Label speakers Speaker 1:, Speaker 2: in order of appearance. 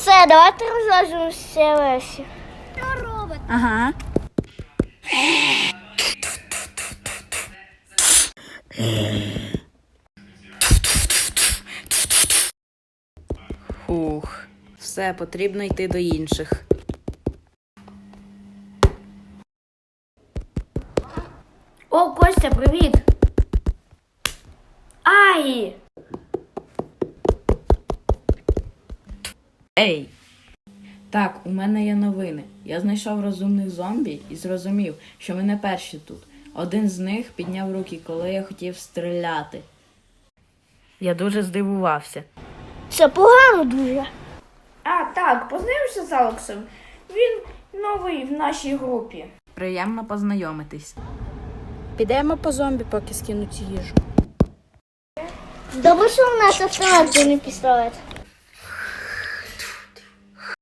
Speaker 1: Все, давайте розважимося Лесі.
Speaker 2: Робот.
Speaker 3: Ага. Фух, все, потрібно йти до інших.
Speaker 1: О, Костя, привіт! Ай!
Speaker 3: Ей! Так, у мене є новини. Я знайшов розумних зомбі і зрозумів, що ми не перші тут. Один з них підняв руки, коли я хотів стріляти. Я дуже здивувався.
Speaker 1: Це погано дуже.
Speaker 4: А, так, познайомився з Алексом. Він новий в нашій групі.
Speaker 3: Приємно познайомитись.
Speaker 2: Підемо по зомбі, поки скинуть їжу.
Speaker 1: Добре, що в нас автомат, а не пістолет.